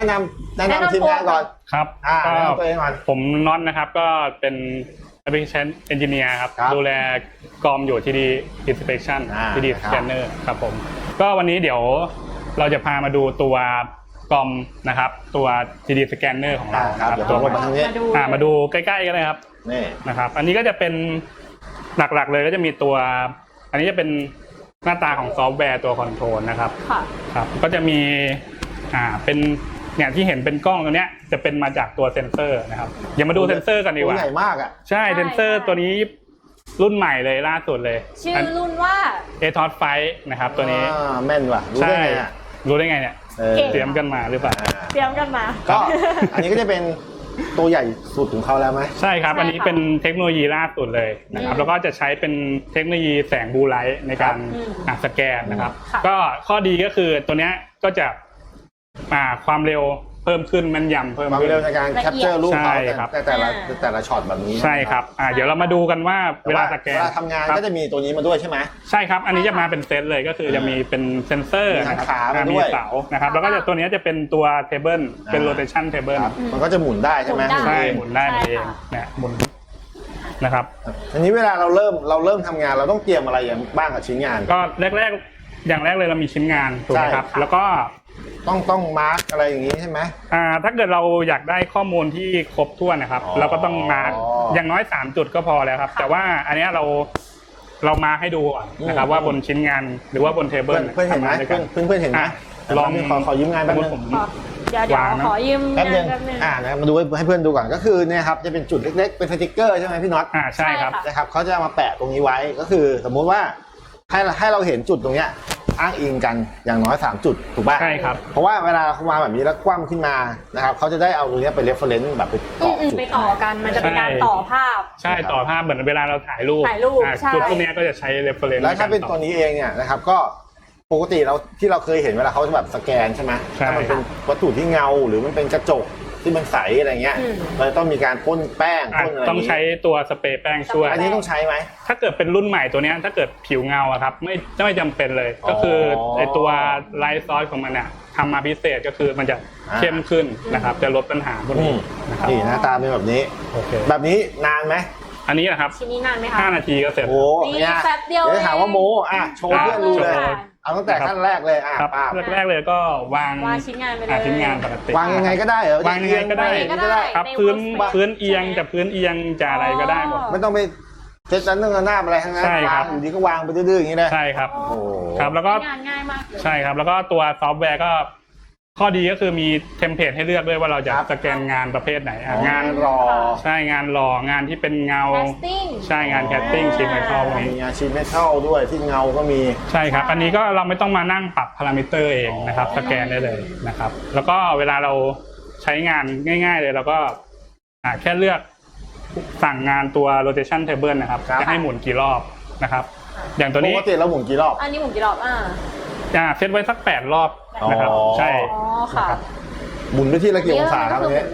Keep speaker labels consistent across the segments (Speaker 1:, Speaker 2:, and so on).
Speaker 1: นำทีมงานก่อน
Speaker 2: ครับ
Speaker 1: แนะนำตัวเองก่อน
Speaker 2: ผมน็อตนะครับก็เป็น Application Engineer ครับดูแลกอมอยู่ที่ดี Inspection ที่ดี Scanner ครับผมก็วันนี้เดี๋ยวเราจะพามาดูตัวกอมนะครับตัว 3D Scanner ของเราครับ
Speaker 1: ตัวมาทางนี้
Speaker 2: มาดูใกล้ๆกันเลยครับ
Speaker 1: นี่
Speaker 2: นะครับอันนี้ก็จะเป็นหลักๆเลยก็จะมีตัวอันนี้จะเป็นหน้าตาของซอฟต์แวร์ตัวคอนโทรลนะครับครับก็จะมีเป็นเนี่ยที่เห็นเป็นกล้องตัวเนี้ยจะเป็นมาจากตัวเซ็นเซอร์นะครับอย่ามาดูเซ็นเซอร์กันดีกว่า
Speaker 1: ใหญ่มากอ่ะ
Speaker 2: ใช่เซ็นเซอร์ตัวนี้รุ่นใหม่เลยล่าสุดเลย
Speaker 3: ชื่อรุ่นว่า
Speaker 2: ATOS 5นะครับตัวนี้
Speaker 1: แม่นว่ะรู้ได้ไงอ่ะ
Speaker 2: รู้ได้ไงเนี่ยเตรียมกันมาหรือเปล่า
Speaker 3: เตรียมกันมา
Speaker 1: ก็อันนี้ก็จะเป็นตัวใหญ่สุดของเขาแล้วไหม
Speaker 2: ใช่ครับอันนี้เป็นเทคโนโลยีล่าสุดเลยนะครับแล้วก็จะใช้เป็นเทคโนโลยีแสงบลูไลท์ในการสแกนนะครับก็ข้อดีก็คือตัวเนี้ยก็จะความเร็วเพิ่มขึ้นแม่นยำเพิ่ม
Speaker 1: ความเร็วในการแคปเจอร์รูปเขาแต่ละช็อตแบบนี้
Speaker 2: ใช่ครับเดี๋ยวเรามาดูกันว่าเวลาสแกน
Speaker 1: ทำงานก็จะมีตัวนี้มาด้วยใช่ไหม
Speaker 2: ใช่ครับอันนี้จะมาเป็นเซตเลยก็คือจะมีเป็นเซนเซอร์นะครับมีเสานะครับแล้วก็ตัวนี้จะเป็นตัวเทเบิลเป็นโรเทชันเทเบิล
Speaker 1: มันก็จะหมุนได้ใช่ไหม
Speaker 2: ใช่หมุนได้เองเนี่ยหมุนนะครับ
Speaker 1: อันนี้เวลาเราเริ่มทำงานเราต้องเตรียมอะไรอย่างบ้างกับชิ้นงาน
Speaker 2: ก็แรกอย่างแรกเลยเรามีชิ้นงานถูกไหมครับแล้วก็
Speaker 1: ต้องมาร์กอะไรอย่างนี้ใช่ไหม
Speaker 2: ถ้าเกิดเราอยากได้ข้อมูลที่ครบถ้วนนะครับเราก็ต้องมาร์กอย่างน้อย3จุดก็พอแล้วครับแต่ว่าอันนี้เรามาให้ดูก่อนนะครับว่าบนชิ้นงานหรือว่าบนเทเบิล
Speaker 1: เพื่อนเห็นไหมเพื่อนเห็นไหมลองขอยืมงานแป๊บนึง
Speaker 3: เดี๋ยวขอยืม
Speaker 1: แป๊บนึงนะมาดูให้เพื่อนดูก่อนก็คือเนี่ยครับจะเป็นจุดเล็กๆเป็นสติกเกอร์ใช่ไหมพี่น็อต
Speaker 2: ใช่ครับ
Speaker 1: นะครับเขาจะมาแปะตรงนี้ไว้ก็คือสมมุติว่าให้เราเห็นจุดตรงเนี้ยอ้างอิงกันอย่างน้อย3จุดถูกป่ะ
Speaker 2: ใช่ครับ
Speaker 1: เพราะว่าเวลาเขาวางแบบนี้แล้วคว่ำขึ้นมานะครับเขาจะได้เอาตรงนี้ไปเรฟเฟอเรนซ์แบบไปต่อจุด
Speaker 3: ไปต่อกันมันจะเป็นการต่อภาพ
Speaker 2: ใช่ต่อภาพเหมือนเวลาเราถ่ายรูปจุดพวกนี้ก็จะใช้เรฟเฟอเรนซ์
Speaker 1: แล้วถ้าเป็นตัวนี้เองเนี่ยนะครับก็ปกติที่เราเคยเห็นเวลาเขาจะแบบสแกนใช่ไหมถ้ามันเป็นวัตถุที่เงาหรือมันเป็นกระจกที่มันใสอะไรเงี้ยเราต้องมีการพ่นแป้งพ่นอะไร
Speaker 2: ต้องใช้ตัวสเปรย์แป้งช่วย
Speaker 1: อันนี้ต้องใช้ไหม
Speaker 2: ถ้าเกิดเป็นรุ่นใหม่ตัวนี้ถ้าเกิดผิวเงาครับไม่จำเป็นเลยก็คือไอตัวไลท์ซอสของมันเนี่ยทำมาพิเศษก็คือมันจะเข้มขึ้นนะครับจะลดปัญหาพวกนี้นะครับ
Speaker 1: นี่หน้าตาเป็นแบบนี้แบบนี้นานไหม
Speaker 2: อันนี้นะครับ
Speaker 3: ชิ้นนี้นานไหมคะ
Speaker 2: 5 นาทีก็เสร็จ
Speaker 1: โอ้
Speaker 3: นี่แป๊บเดียว
Speaker 1: เดี๋ยวถามว่าโมโชว์เพื่อนดูเลยเอาตั้งแต่ขั้นแรกเลย
Speaker 2: แรกเลยก็วาง
Speaker 3: ชิ้นงานไปเลย
Speaker 2: ชิ้นงานปกติ
Speaker 1: วางยังไงก็ได้เหรอ
Speaker 2: วางยังไงก็ได้ครับพื้นเอียงแต่พื้นเอียงจะอะไรก็ได้หมด
Speaker 1: ไม่ต้องไปเซตนั้นหน้าอะไรทั้งนั้นวางอยู่ดีก็วางไปดื้อๆอย่างนี้เลย
Speaker 2: ใช่ครับ
Speaker 1: โอ้
Speaker 2: ครับแล้วก็
Speaker 3: งานง่ายมากเลย
Speaker 2: ใช่ครับแล้วก็ตัวซอฟต์แวร์ก็ข้อดีก็คือมีเทมเพลตให้เลือกด้วยว่าเราจะสแกนงานประเภทไหนงาน
Speaker 1: รอ
Speaker 2: ใช่งานหล่องานที่เป็นเงาใช่งานแคสติ้งชีทเมทัล
Speaker 1: มีงานชีทเมทัลด้วยที่เงาก็มี
Speaker 2: ใช่ครับอันนี้ก็เราไม่ต้องมานั่งปรับพารามิเตอร์เองนะครับสแกนได้เลยนะครับแล้วก็เวลาเราใช้งานง่ายๆเลยเราก็แค่เลือกสั่งงานตัว rotation table นะครับจะให้หมุนกี่รอบนะครับอย่างตัวนี้
Speaker 1: ปกติเราหมุนกี่รอบ
Speaker 3: อันนี้หมุนกี่รอบ
Speaker 2: เซตไว้สัก8 รอบนะครับใช่
Speaker 3: ค่ะ
Speaker 1: หมุนไปที่ละกี่องศาครับเนี่ย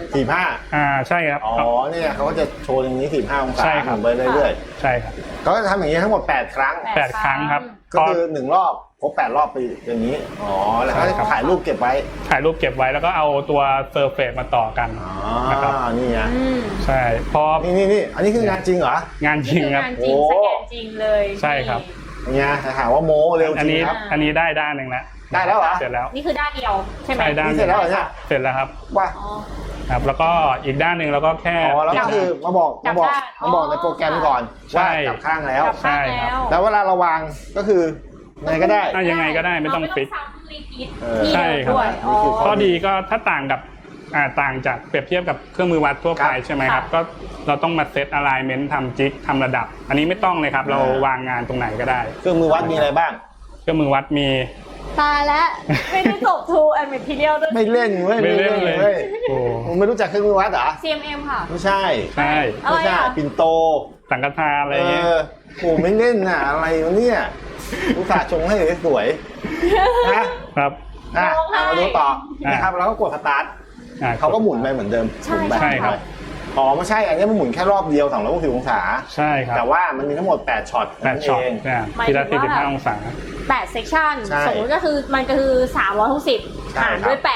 Speaker 1: 45
Speaker 2: ใช่ครับ
Speaker 1: เนี่ยเขาก็จะโชว์อย่างนี้45องศาหมุนไปเรื่อย
Speaker 2: ๆใช่ครับ
Speaker 1: เขาจะทำอย่างนี้ทั้งหมด8ครั้ง
Speaker 2: 8 ครั้งครับ
Speaker 1: ก็คือ1รอบครบ8รอบไปอย่างนี้แล้วก็ถ่ายรูปเก็บไว้
Speaker 2: แล้วก็เอาตัวเซอร์เฟซมาต่อกัน
Speaker 1: นะครับนี่ไง
Speaker 2: ใช่พอ
Speaker 1: นี่อันนี้คืองานจริงเหรอ
Speaker 2: งานจริงครับ
Speaker 3: โอ้สแกนจริงเลย
Speaker 2: ใช่ครับ
Speaker 1: เนี่ยถามว่าโมเร็วจริงครับ
Speaker 2: อันนี้ได้ด้านหนึ่งแล้ว
Speaker 1: ได้แล้วเหรอ
Speaker 2: เสร็จแล้ว
Speaker 3: นี่คือด้านเดียวใช่ไหม
Speaker 1: เสร็จแล้วเหรอเนี่ย
Speaker 2: เสร็จแล้วครับ
Speaker 1: ว่า
Speaker 2: ครับแล้วก็อีกด้านหนึ่งเราก็แค่
Speaker 1: แล้วก็คือมาบอกในโปรแกรมก่อนว่าจับข้างแล้ว
Speaker 2: ใช่ครับ
Speaker 1: แล้วเวลาเราวางก็คือยังไงก็ได้
Speaker 2: ยังไงก็ได้ไม่ต้องฟิก
Speaker 3: ใช่
Speaker 2: ครับข้อดีก็ถ้าต่างจากเปรียบเทียบกับเครื่องมือวัดทั่วไปใช่ไหมครับก็เราต้องมาเซตอะไลเมนต์ทำจิ๊กทำระดับอันนี้ไม่ต้องเลยครับเราวางงานตรงไหนก็ได้
Speaker 1: เครื่องมือวัดมีอะไรบ้าง
Speaker 2: เครื่องมือวัดมี
Speaker 3: ตายแล้วไม่ได้จบทูแอนด์เมทีเรียลด้วย
Speaker 1: ไม่เล่นเว้ย
Speaker 2: ไม่เล่นเลย
Speaker 1: ผมไม่รู้จักเครื่องมือวัดเหรอ
Speaker 3: CMM ค่ะ
Speaker 1: ไม่ใช่ปิ่นโต
Speaker 2: สังฆทานอะไรเงี้ย
Speaker 1: โอ้ไม่เล่นน่ะอะไรวะเนี่ยอุตส่าห์ชงให้สวยนะครับมาดูต่อนะครับแล้วก็กดสตาร์ทเขาก็หมุนไปเหมือนเดิม
Speaker 2: ใช่ครับ
Speaker 1: ไม่ใช่อันนี้มันหมุนแค่รอบเดียว260องศา
Speaker 2: ใช่ครับ
Speaker 1: แต่ว่ามันมีทั้งหมด8ช็อต
Speaker 2: ทีละ45องศา
Speaker 3: 8เซกชันสมมติก็คือมันก็คือ360หารด้วย8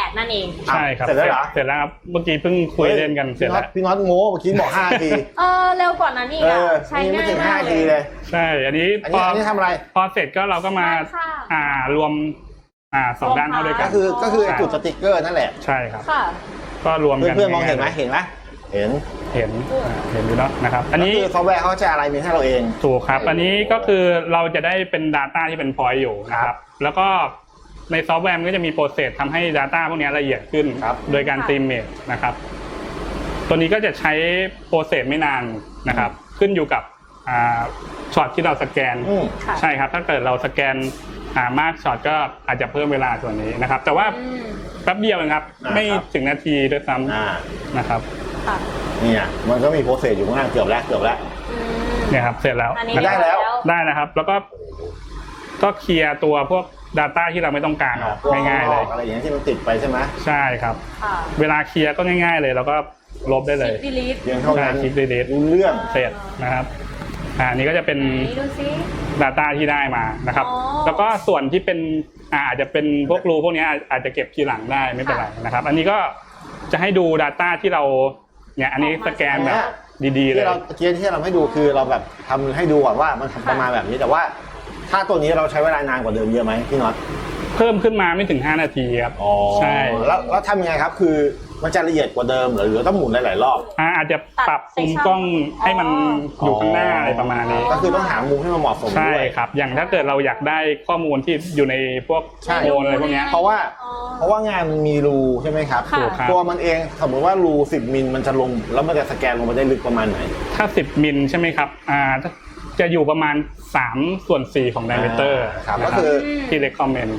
Speaker 3: CAD นั่นเอง
Speaker 2: ใช่ครับ
Speaker 1: เสร็จแล้วเหรอ
Speaker 2: เสร็จแล้วครับเมื่อกี้เพิ่งคุยเล่นกันเสร็จแล้ว
Speaker 1: พี่น็อตโง่เมื่อกี้บอก5 นาที
Speaker 3: เร็วกว่านั้นอีกอ่ะใช้
Speaker 1: นี่ไม่
Speaker 3: ง่าย
Speaker 1: ถึง
Speaker 3: มาก
Speaker 1: 5 นา
Speaker 3: เล
Speaker 1: ที
Speaker 3: ย
Speaker 1: เลย
Speaker 2: ใช่อันนี้
Speaker 1: อันนี้ทำอะไร
Speaker 2: พอเสร็จก็เราก็มา
Speaker 3: ได้ค่ะ
Speaker 2: รวมสองด้านเข้าด้วยกั
Speaker 1: ก็
Speaker 2: น
Speaker 1: คือจุดสติ๊กเกอร์นั่นแหละ
Speaker 2: ใช่ครับ
Speaker 3: ค่ะ
Speaker 2: ก็รวมกัน
Speaker 1: เพื่อนๆมองเห็นไหมเห็นไหมเห็น
Speaker 2: เห็นอยู่เนาะนะครับอันนี้
Speaker 1: ก็คือซอฟต์แวร์เขาจะอะไรมีให้เราเอง
Speaker 2: ถูกครับอันนี้ก็คือเราจะได้เป็น Data ที่เป็น point อยู่นะครับแล้วก็ในซอฟต์แวร์มันก็จะมีโปรเซสทำให้ Data พวกนี้ละเอียดขึ้น
Speaker 1: ครับ
Speaker 2: โดยการตีมเมจนะครับตัวนี้ก็จะใช้โปรเซสไม่นานนะครับขึ้นอยู่กับช็อตที่เราสแกน
Speaker 3: ค่ะ
Speaker 2: ใช่ครับถ้าเกิดเราสแกนมากช็อตก็อาจจะเพิ่มเวลาส่วนนี้นะครับแต่ว่าแป๊บเดียวเองครับไม่ถึงนาทีด้วยซ้ำนะครับ
Speaker 3: ค่ะ
Speaker 1: เนี่ยมันก็มีโปรเซสอยู่ข้างล่างเกือบแล้ว
Speaker 2: เนี่ยครับเสร็จแล้ว
Speaker 3: อันนี้
Speaker 1: ได้แล้ว
Speaker 2: ได้นะครับ แล้วก็เคลียร์ตัวพวก Data ที่เราไม่ต้องการออกง่ายๆเลย
Speaker 1: อะไรอย่างเงี้ยที่มันติดไปใช่ไหม
Speaker 2: ใช่ครับ
Speaker 3: ค่ะ
Speaker 2: เวลาเคลียร์ก็ง่ายๆเลยแล้วก็ลบได้เลย
Speaker 3: delete
Speaker 1: เพียงเท่านั้น
Speaker 2: คลิปดีเลท
Speaker 1: รู้เรื่อง
Speaker 2: เสร็จนะครับอันนี้ก็จะเป็น
Speaker 3: ไหนดูซิ
Speaker 2: Data ที่ได้มานะครับ
Speaker 3: อ๋อ
Speaker 2: แล้วก็ส่วนที่เป็นอาจจะเป็นพวกรูพวกนี้อาจจะเก็บทีหลังได้ไม่เป็นไรนะครับ อันนี้ก็จะให้ดู Data ที่เราเนี่ยอันนี้สแกนแบบดีๆเลย
Speaker 1: ที่เราเมื่อกี้ที่เราให้ดูคือเราแบบทำให้ดูก่อนว่ามันประมาณแบบนี้แต่ว่าถ้าตัวนี้เราใช้เวลานานกว่าเดิมเยอะไหมพี่น็อต
Speaker 2: เพิ่มขึ้นมาไม่ถึง5 นาทีครับใช่
Speaker 1: แล้วทำยังไงครับคือมันจะละเอียดกว่าเดิมหรือต้องหมุนหลายๆรอบ
Speaker 2: อาจจะปรับมุมกล้องให้มันอยู่ข้างหน้าอะไรประมาณนี้
Speaker 1: ก็คือต้องหามุมให้มันเหมาะสม
Speaker 2: ใช่
Speaker 1: ด้วย
Speaker 2: ครับอย่างถ้าเกิดเราอยากได้ข้อมูลที่อยู่ในพวก
Speaker 1: ใช่
Speaker 2: โมนอะไรพวกเนี้ย
Speaker 1: เพราะว่างานมันมีรูใช่ไหมครับ
Speaker 3: ค่ะ
Speaker 2: ถูกครับ
Speaker 1: ตัวมันเองสมมติว่ารู10 มิลมันจะลงแล้วมันจะสแกนลงไปได้ลึกประมาณไหน
Speaker 2: ถ้า10 มิลใช่ไหมครับจะอยู่ประมาณ3/4ของ diameter
Speaker 1: ครับ
Speaker 2: นะ
Speaker 1: ก็คือ
Speaker 2: ที่ recommend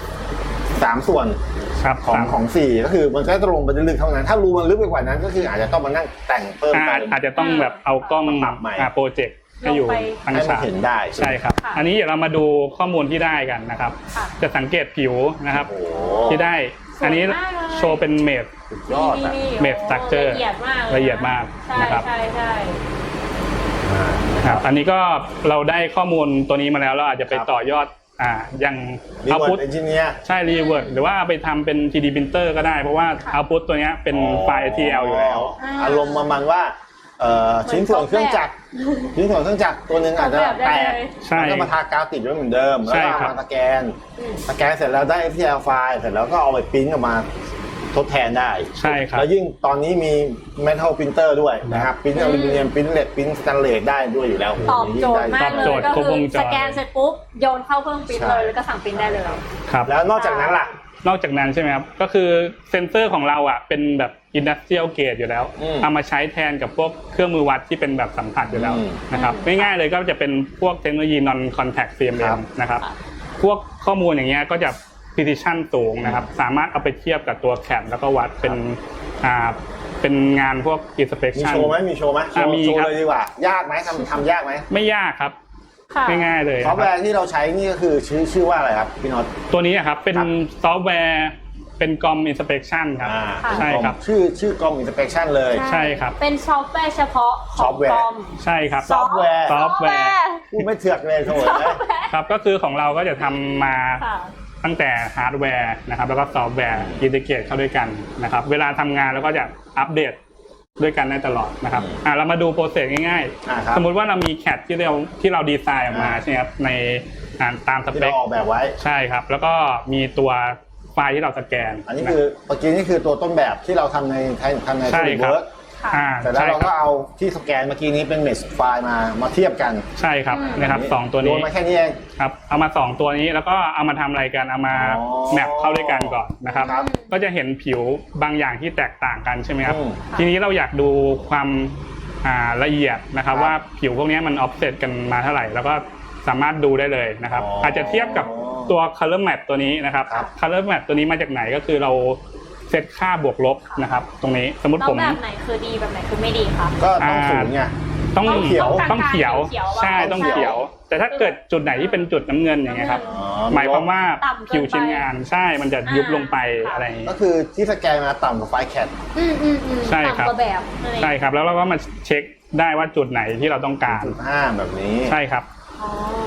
Speaker 1: 3 ส่วน
Speaker 2: ครับ
Speaker 1: ของ4ก็คือมันก็จะลงไปได้ลึกเท่านั้น ถ้ารูมันลึกไปกว่านั้นก็คืออาจจะต้องมานั่งแต่งเพิ่มเติม
Speaker 2: อาจจะต้องแบบเอากล้อง
Speaker 1: ปรับใหม่
Speaker 2: โปรเจกต์ให้อยู่ทาง
Speaker 1: ให้มัน
Speaker 2: ฉาก
Speaker 1: เห็นได้
Speaker 2: ใช่ครับ
Speaker 3: ค่ะ
Speaker 2: อันนี้เดี๋ยวเรามาดูข้อมูลที่ได้กันนะครับ
Speaker 3: ค่ะ
Speaker 2: จะสังเกตผิวนะครับ
Speaker 1: โอ้โห
Speaker 2: ที่ได้
Speaker 3: สวยมากเลย
Speaker 2: อันนี้โชว์เป็นเมด
Speaker 1: สุดยอดอ่ะ
Speaker 2: เมดสตรัคเจอร์
Speaker 3: ละเอียดมาก
Speaker 2: ละเอียดมาก
Speaker 3: ใช่
Speaker 2: นะครับ
Speaker 3: ใช่ใช่
Speaker 2: ครับอันนี้ก็เราได้ข้อมูลตัวนี้มาแล้วเราอาจจะไปต่อยอดอย่าง
Speaker 1: รี
Speaker 2: เอา
Speaker 1: เวิ
Speaker 2: พุ
Speaker 1: ร์
Speaker 2: ท
Speaker 1: ดเอนจิเนียร์
Speaker 2: ใช่รีเวิร์ดหรือว่าเอาไปทำเป็น 3D printer ก็ได้เพราะว่าเอาพุทตัวนี้เป็นไฟล์ ATL อยู่แล้ว
Speaker 1: อารมณ์ประมาณว่าชิ้นส่วนเครื่องจักรชิ้นส่วนเครื่องจักรตัวหนึ่งอาจจะแตก
Speaker 2: ใช่
Speaker 1: แล้วก็มาทากาวติดไว้เหมือนเดิมแล้ว
Speaker 2: ใช่
Speaker 1: ก็
Speaker 2: ครับ
Speaker 1: มาสแกนเสร็จแล้วได้ STL ไฟล์เสร็จแล้วก็เอาไปปริ้นออกมาทดแทนได้
Speaker 2: ใช่ครับ
Speaker 1: แล้วยิ่งตอนนี้มี Metal Printer ด้วยนะครับปริ้นอลูมิเนียมปริ้นเหล็กปริ้นสแตนเลสได้ด้วยอยู่แล้ว
Speaker 3: ตอบโจทย์มากเล
Speaker 2: ตอบโจ
Speaker 3: ย
Speaker 2: ทย์
Speaker 3: ก็
Speaker 2: ครบ
Speaker 3: คื
Speaker 2: ว
Speaker 3: อง
Speaker 2: จร
Speaker 3: สแกนเสร็จปุ๊บโยนเข้าเครื่องปริ้นเลยแล้วก็สั่งปริ้นได้เลย
Speaker 2: ครับ
Speaker 1: แล้วนอกจากนั้นล่ะ
Speaker 2: นอกจากนั้นใช่ไหมครับก็คือเซนเซอร์ของเราเป็นแบบ industrial grade อยู่แล้ว เอามาใช้แทนกับพวกเครื่องมือวัดที่เป็นแบบสัมผัสอยู่แล้วนะครับง่ายๆเลยก็จะเป็นพวกเทคโนโลยี non contact CMM นะครับพวกข้อมูลอย่างเงี้ยก็จะ precision สูงนะครับสามารถเอาไปเทียบกับตัว CAD แล้วก็วัดเป็นงานพวก
Speaker 1: มี
Speaker 2: inspection
Speaker 1: โชว์ไหมมีโชว์ไหม
Speaker 2: มี
Speaker 1: โชว์
Speaker 2: ครับ
Speaker 1: เลยดีกว่ายากไหมทำยากไหม
Speaker 2: ไม่ยากครับ
Speaker 3: ค่ะ
Speaker 2: ง่ายๆเลย
Speaker 1: ซอฟต์แว
Speaker 2: ครับ
Speaker 1: ร์ที่เราใช้นี่ก็คือชื่อว่าอะไรครับพี่น็อต
Speaker 2: ตัวนี้ครับเป็น
Speaker 1: ครับ
Speaker 2: ซอฟต์แวร์เป็นกรม inspection ครับ ใช่ครับ
Speaker 1: ชื่อกล้อง inspection เลย
Speaker 2: ใช่ครับ
Speaker 3: เป็นซอฟต์แวร์เฉพาะข
Speaker 1: ซอ
Speaker 3: อ
Speaker 1: ฟ
Speaker 3: ง
Speaker 1: ต์แวร์
Speaker 3: คอม
Speaker 2: ใช่ครับ
Speaker 1: ซอฟต์แวร์
Speaker 2: ซอฟต์แวร์
Speaker 1: พูดไม่เถือกเลยโถ่เลย
Speaker 2: ครับก็คือของเราก็จะทำมา
Speaker 3: ค่ะ
Speaker 2: ตั้งแต่ฮาร์ดแวร์นะครับแล้วก็ซอฟต์แวร์อินทิเกรตเข้าด้วยกันนะครับเวลาทำงานเราก็จะอัปเดตด้วยกันได้ตลอดนะครับเรามาดูโปรเซสง่าย
Speaker 1: ครับ
Speaker 2: ๆ สมมุติว่าเรามีแคดที่เราดีไซน์ออกมาใช่ไหมครับในตามส
Speaker 1: ที่
Speaker 2: เป
Speaker 1: เรา
Speaker 2: ค
Speaker 1: ออกแบบไว้
Speaker 2: ใช่ครับแล้วก็มีตัวไฟล์ที่เราสแกน
Speaker 1: อันนี้คือเมื่อกี้นี่คือตัวต้นแบบที่เราทำใน
Speaker 2: ใช่
Speaker 1: Solid
Speaker 2: ครับ
Speaker 1: Work เสร็จแล้ว
Speaker 2: ใช่
Speaker 1: เรา
Speaker 2: ค
Speaker 1: ก็
Speaker 2: รับ
Speaker 1: เอาที่สแกนเมื่อกี้นี้เป็นเมชไฟล์มาเทียบกัน
Speaker 2: ใช่ครับนะครับสองตัว
Speaker 1: โย
Speaker 2: นี้
Speaker 1: นมาแค่นี้เอง
Speaker 2: ครับเอามา2ตัวนี้แล้วก็เอามาทำอะไรกันเอามา
Speaker 1: อ๋อ
Speaker 2: แมปเข้าด้วยกันก่อนนะครับ
Speaker 1: ครับ
Speaker 2: ก็จะเห็นผิวบางอย่างที่แตกต่างกันใช่ไหมครับ
Speaker 1: อืม
Speaker 2: ทีนี้เราอยากดูความละเอียดนะครับ
Speaker 1: ครับ
Speaker 2: ว่าผิวพวกนี้มันออฟเซตกันมาเท่าไหร่แล้วก็สามารถดูได้เลยนะครับ
Speaker 1: อ๋ออ
Speaker 2: อาจจะเทียบกับตัว color map ตัวนี้นะครับ
Speaker 1: ครับ
Speaker 2: color map ตัวนี้มาจากไหนก็คือเราเซตค่าบวกลบนะครับ ตรงนี้สมมติ
Speaker 3: แล้ว
Speaker 2: ผม
Speaker 3: แบบไหนคือดีแบบไหนคือไม่ดีคะ
Speaker 1: ก็ต้องศูนย์ไง
Speaker 2: ต้อง
Speaker 3: ต้องเขียว
Speaker 2: ต้องเขียว
Speaker 3: เขียว
Speaker 2: ใช่ต้องเขียว แต่ถ้าเกิดจุดไหนที่เป็นจุดน้ำเงินอย่างเงี้ยครับ
Speaker 1: อ๋อ
Speaker 2: หมายความว่า
Speaker 3: ต่ำเกินไป
Speaker 2: ผิวชิ้นงานใช่มันจะยุบลงไป
Speaker 3: ค่ะ
Speaker 2: อะไรอย่างงี้
Speaker 1: ก็คือที่สแกนมาต่ำกว่าไฟล์แคท
Speaker 2: ใช่ครับ
Speaker 3: ต่ำกว่าแบบนั่นเอง
Speaker 2: ใช่ครับแล้วเราก็มาเช็คได้ว่าจุดไหนที่เราต้องการ
Speaker 1: 5แบบนี้
Speaker 2: ใช่ครับ
Speaker 3: อ๋อ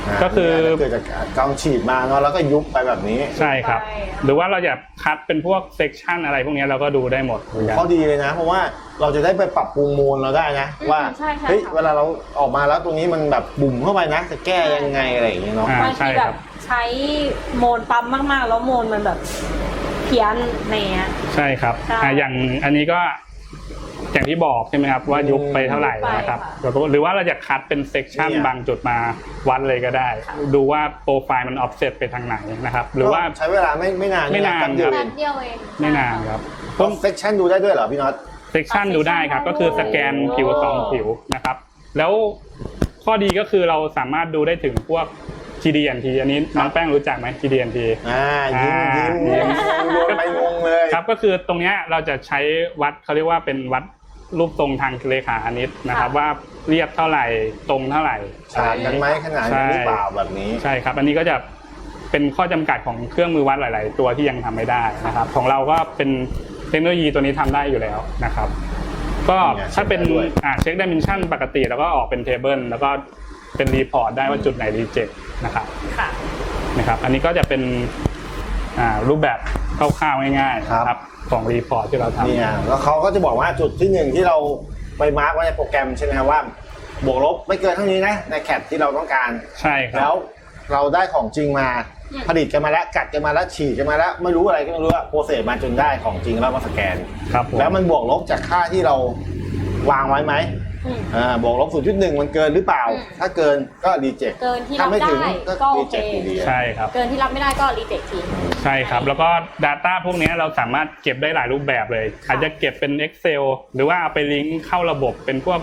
Speaker 2: ก็คือ
Speaker 1: เกิดจากกองฉีดมาเนาะแล้วก็ยุบไปแบบนี้
Speaker 2: ใช่ครับ หรือว่าเราอยากคัดเป็นพวกเซกชันอะไรพวกนี้เราก็ดูได้หมดเหมือนกัน
Speaker 1: ข้อดีเลยนะ เพราะว่าเราจะได้ไปปรับปรุงโมนเราได้นะว่าเฮ้ยเวลาเราออกมาแล้วตรงนี้มันแบบบุ่มเข้าไปนะจะแก้ยังไงอะไรอย่างเงี้ยเนาะ
Speaker 3: บางทีแบบใช้โมนปั๊มมากๆแล้วโมนมันแบบเพี้ยนในเนี้ย
Speaker 2: ใช่ครับอย่างอันนี้ก็อย่างที่บอกใช่ไหมครับว่ายุบไปเท่าไหร่นะครับหรือว่าเราจะคัดเป็นเซกชันบางจุดมาวัดเลยก็ได้ ดูว่าโปรไฟล์มันออฟเซตไปทางไหนนะครับหรือว่า
Speaker 1: ใช้เวลาไม่นาน
Speaker 2: ไม่นาน
Speaker 1: แป๊บเดียว
Speaker 3: แป๊บเดียวเอง
Speaker 2: ไม่นานครับ
Speaker 1: ต้องเซกชันดูได้ด้วยเหรอพี่น็อต
Speaker 2: เซกชันดูได้ครับก็คือสแกนผิว2ผิวนะครับแล้วข้อดีก็คือเราสามารถดูได้ถึงพวก GD&T อันนี้น้องแป้งรู้จักไหม GD&T
Speaker 1: ยิ้มโดนไปงงเลย
Speaker 2: ครับก็คือตรงนี้เราจะใช้วัดเขาเรียกว่าเป็นวัดรูปทรงทางเลขาคณิตนะครับว่าเรียบเท่าไหร่ตรงเท่าไหร่
Speaker 1: ฉากกันไหมขนาดนี้หรือเปล่าแบบนี้
Speaker 2: ใช่ครับอันนี้ก็จะเป็นข้อจำกัดของเครื่องมือวัดหลาย ๆ ตัวที่ยังทำไม่ได้นะครับของเราก็เป็นเทคโนโลยีตัวนี้ทำได้อยู่แล้วนะครับก็ถ้าเป็นเช็คดิเมนชันปกติแล้วก็ออกเป็นเทเบิลแล้วก็เป็นรีพอร์ตได้ว่าจุดไหนรีเจ็คนะครับนะครับอันนี้ก็จะเป็นรูปแบบคร่าวๆง่ายๆครับของรีพอร์ตที่เราทำ
Speaker 1: เนี่ยแล้วเขาก็จะบอกว่าจุดที่1ที่เราไปมาร์กไว้ในโปรแกรมใช่ไหมครับว่าบวกลบไม่เกินเท่านี้นะในแคปที่เราต้องการ
Speaker 2: ใช่ครับ
Speaker 1: แล้วเราได้ของจริงมาผลิตกันมาแล้วกัดกันมาแล้วฉีดกันมาแล้วไม่รู้อะไรก็ไม่รู้อะโปรเซสมาจนได้ของจริงแล้วมาสแกนแล้วมันบวกลบจากค่าที่เราวางไว้ไหมบวกลบ 0.1 มันเกินหรือเปล่าถ้าเกินก็รีเจ็ค
Speaker 3: เกินที่รับได้ก็โอเค
Speaker 2: ใช่ครับ
Speaker 3: เกินที่รับไม่ได้ก็รีเจ็คทิ้ง
Speaker 2: ใช่ครับแล้วก็ Data พวกนี้เราสามารถเก็บได้หลายรูปแบบเลยอาจจะเก็บเป็น Excel หรือว่าเอาไปลิงก์เข้าระบบเป็นพวก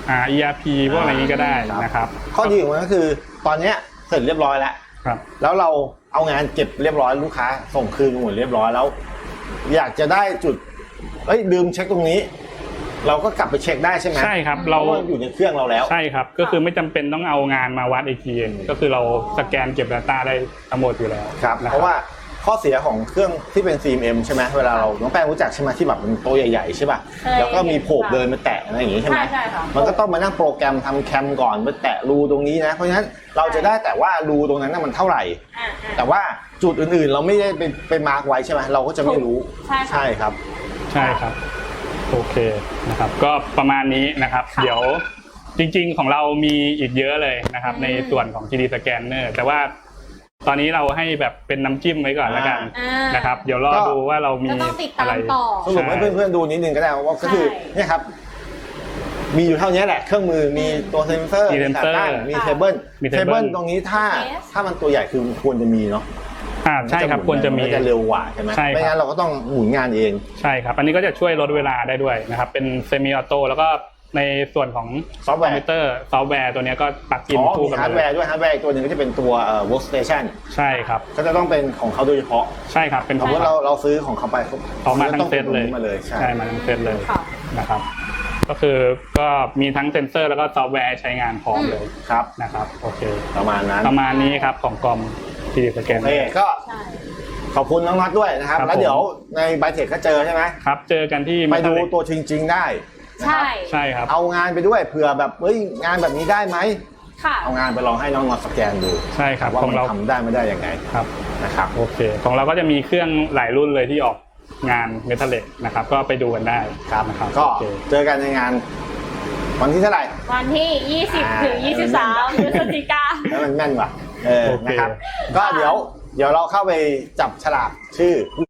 Speaker 2: ERP พวกอะไรนี้ก็ได้นะครับ
Speaker 1: ข้อดีของมันก็คือตอนนี้เสร็จเรียบร้อยแล้วแล้วเราเอางานเก็บเรียบร้อยลูกค้าส่งคืนหมดเรียบร้อยแล้วอยากจะได้จุดลืมเช็คตรงนี้เราก็กลับไปเช็คได้ใช่ไหม
Speaker 2: ใช่ครับเรา
Speaker 1: อยู่ในเครื่องเราแล้ว
Speaker 2: ใช่ครับก็คือไม่จำเป็นต้องเอางานมาวัดอีกทีก็คือเราสแกนเก็บ Data ได้ทั้งหมดอยู่แล้ว
Speaker 1: ครับเพราะว่าข้อเสียของเครื่องที่เป็น CMM ใช่ไหมเวลาเราน้องแป้งรู้จักใช่ไหมที่แบบเป็นโต๊ะใหญ่ๆใช่ป่ะแล้วก็มีโผล่เดินมาแตะอะไรอย่างงี้ใช่ไหมมันก็ต้องมานั่งโปรแกรมทำแคมก่อนมาแตะรูตรงนี้นะเพราะฉะนั้นเราจะได้แต่ว่ารูตรงนั้นมันเท่าไหร่แต่ว่าจุดอื่นๆเราไม่ได้ไปมาร์กไว้ใช่ไหมเราก็จะไม่รู้ใช่ครับ
Speaker 2: ใช่ครับโอเคนะครับก็ประมาณนี้นะครับเดี๋ยวจริงๆของเรามีอีกเยอะเลยนะครับในส่วนของ 3D Scanner แต่ว่าตอนนี้เราให้แบบเป็นน้ำจิ้มไว้ก่อนแล้วกันนะครับเดี๋ยวรอดูว่าเรามีอะไร
Speaker 1: สรุปให้เพื่อนๆดูนิดนึงก็ได้ว่าก็คือเนี่ยครับมีอยู่เท่านี้แหละเครื่องมือมีตัวเซนเซอร์มีขาตั้งมีเทเบิลตรงนี้ถ้ามันตัวใหญ่คือควรจะมีเนาะ
Speaker 2: ใช่ครับควรจะมี
Speaker 1: จะเร็วกว่าใช่ไหมไม่งั้นเราก็ต้องหมุนงานเอง
Speaker 2: ใช่ครับอันนี้ก็จะช่วยลดเวลาได้ด้วยนะครับเป็นเซมิออโต้แล้วก็ในส่วนของ
Speaker 1: ซอฟต์แวร์
Speaker 2: ซอฟต์แวร์ตัวนี้ก็ปักอิน
Speaker 1: คู่กับฮาร์ดแวร์ด้วยฮาร์ดแวร์ตัวนึงก็จะเป็นตัวworkstation
Speaker 2: ใช่ครับ
Speaker 1: ก็จะต้องเป็นของเขาโดยเฉพาะ
Speaker 2: ใช่ครับเป็น
Speaker 1: เพราะว่าเราซื้อของเขาไป
Speaker 2: ออกมาทั้งเซตเลยใช่มาทั้งเซตเลยนะครับก็คือก็มีทั้งเซนเซอร์แล้วก็ซอฟต์แวร์ใช้งานพร้อมเลย
Speaker 1: ครับ
Speaker 2: นะครับโอเค
Speaker 1: ประมาณ
Speaker 2: นี้ครับของกอม 3D Scanner
Speaker 1: ก็ขอบคุณน้องน็อตด้วยนะครับแล้วเดี๋ยวในไบเทคก็เจอใช่ไหม
Speaker 2: ครับเจอกันที่
Speaker 1: ไปดูตัวจริงๆได้
Speaker 2: ใช่ครับ
Speaker 1: เอางานไปด้วยเผื่อแบบงานแบบนี้ได้ไหมเอางานไปลองให้น้องน็อตสแกนดู
Speaker 2: ใช่ครับ
Speaker 1: ว่ามันทำได้ไม่ได้ยังไง
Speaker 2: ครับ
Speaker 1: นะครับ
Speaker 2: โอเคของเราก็จะมีเครื่องหลายรุ่นเลยที่ออกงานเมทัลเล็กนะครับก็ไปดูกันได้
Speaker 1: ครับนะครับก็เจอกันในงานวันที่เท่าไหร่
Speaker 3: วันที่20ถึง23พฤศจิกายน
Speaker 1: แล้วมันแม่นว่ะนะครับก็เดี๋ยวเราเข้าไปจับฉลากชื่อ